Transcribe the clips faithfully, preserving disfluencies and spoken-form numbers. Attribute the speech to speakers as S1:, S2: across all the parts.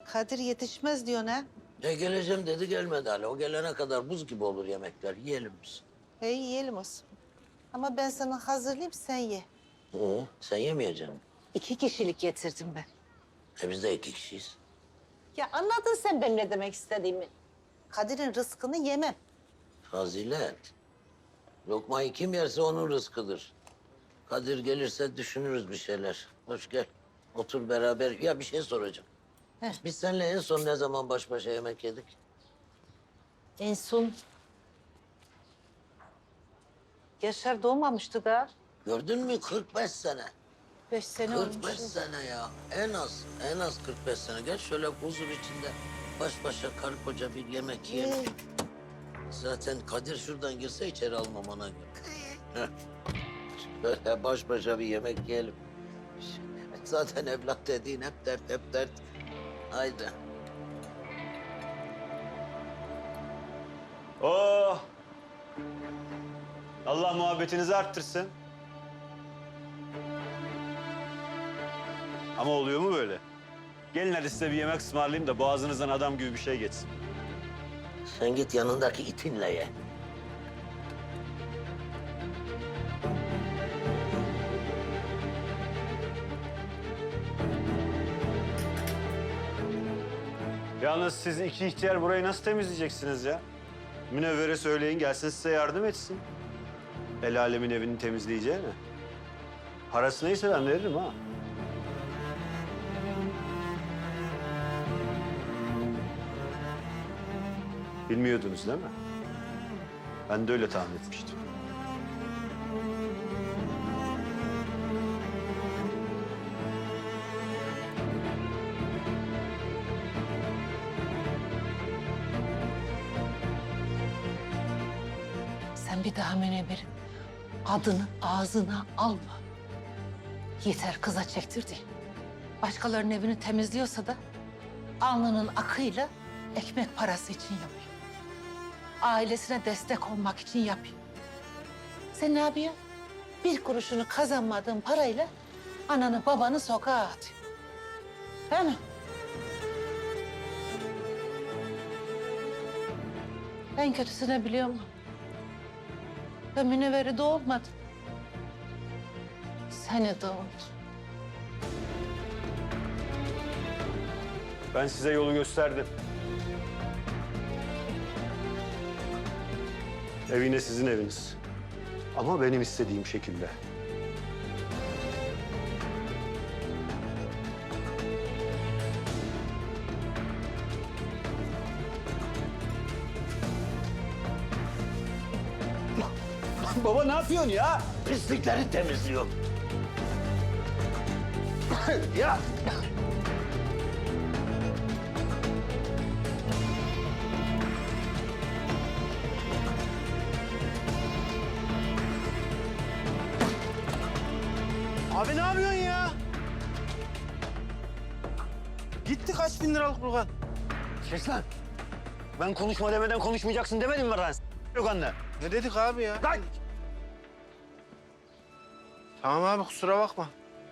S1: Kadir yetişmez diyor ne?
S2: E geleceğim dedi gelmedi hala. O gelene kadar buz gibi olur yemekler. Yiyelim biz.
S1: E yiyelim olsun. Ama ben sana hazırlayayım sen ye.
S2: Ee, sen yemeyeceksin.
S1: İki kişilik getirdim ben.
S2: E biz de iki kişiyiz.
S1: Ya anladın sen benim ne demek istediğimi. Kadir'in rızkını yemem.
S2: Fazilet. Lokmayı kim yerse onun rızkıdır. Kadir gelirse düşünürüz bir şeyler. Hoş gel. Otur beraber. Ya bir şey soracağım.
S1: Heh.
S2: Biz seninle en son ne zaman baş başa yemek yedik?
S1: En son... Yaşar doğmamıştı da.
S2: Gördün mü kırk beş sene.
S1: Beş sene
S2: kırk beş
S1: olmuş.
S2: sene ya. En az, en az kırk beş sene. Gel şöyle huzur içinde baş başa karı koca bir yemek yiyelim.
S1: Ee,
S2: Zaten Kadir şuradan girse içeri almam ona göre. Heh. Şöyle baş başa bir yemek yiyelim. Zaten evlat dediğin hep dert, hep dert. Haydi.
S3: Oh! Allah muhabbetinizi arttırsın. Ama oluyor mu böyle? Gelin hadi size bir yemek ısmarlayayım da boğazınızdan adam gibi bir şey geçsin.
S2: Sen git yanındaki itinle ye.
S3: Yalnız siz iki ihtiyar burayı nasıl temizleyeceksiniz ya? Münevvere söyleyin gelsin size yardım etsin. El alemin evini temizleyeceğine. Parası neyse ben veririm ha. Bilmiyordunuz değil mi? Ben de öyle tahmin etmiştim.
S1: sen bir daha Münevver'in adını ağzına alma. Yeter kıza çektirdi. Başkalarının evini temizliyorsa da alnının akıyla ekmek parası için yapıyor. Ailesine destek olmak için yapıyor. Sen ne yapıyorsun? Bir kuruşunu kazanmadığın parayla ananı babanı sokağa atıyor. Değil mi? En kötüsünü biliyor musun? Ben Münevver'i doğurmadım. Seni doğurdum.
S3: Ben size yolu gösterdim. Ev yine sizin eviniz. Ama benim istediğim şekilde. Baba ne yapıyorsun ya?
S2: Pislikleri temizliyor. Ya.
S4: Abi ne yapıyorsun ya? Gitti kaç bin liralık Burhan.
S3: Kes lan. Ben konuşma demeden konuşmayacaksın demedim mi lan? Yok anne.
S4: Ne dedik abi ya?
S3: Lan!
S4: Tamam abi kusura bakma.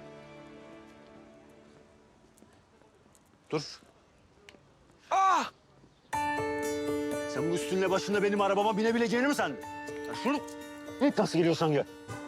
S4: Dur. Ah!
S3: Sen bu üstünle başında benim arabama binebileceğini mi sandın? Ya şunu. Git nasıl geliyorsan gel.